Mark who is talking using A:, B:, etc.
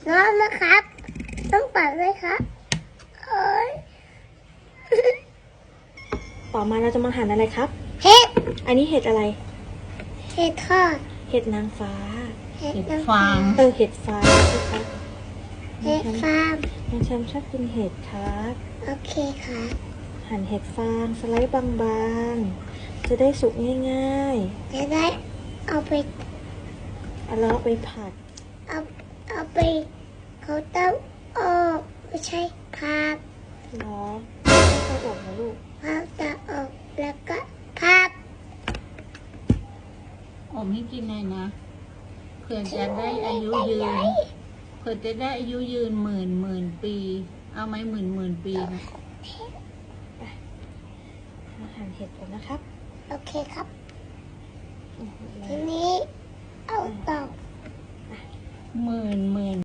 A: ร้อนนะครับต้องปัดเลยครับโอ้ย
B: ต่อมาเราจะมาหั่นอะไรครับ
A: เห็ด
B: อันนี้เห็ดอะไร
A: เห็ดทอด
B: เห็ดนางฟ้า
A: เห็ด
C: เห็ด
A: น้ำ
C: ฟาง
B: เห็ดฟ้าใช่ครับ
A: เห็ดฟาง
B: น้องแชมป์ชอบกินเห็ดครับ
A: โอเคค่ะ
B: หั่นเห็ดฟางสไลด์บางๆ จะได้สุกง่าย
A: จะได้เอาไป
B: ๆแล้วเอาไปผัด
A: เอาไปเขาต้องออกไม่ใช่พับ
B: เนาะไม่ค่อยอบนะลูก
A: พับจะออกแล้วก็พับ
C: อมให้กินหน่อยนะเผื่อจะได้อายุยืนเผื่อจะได้อายุยืนหมื่นปี เอาไหมหมื่นปีนะ
B: มาหั่นเห็ดก่อนนะครับ
A: โอเคครับ ทีนี้เอาต่อ
C: หมื่น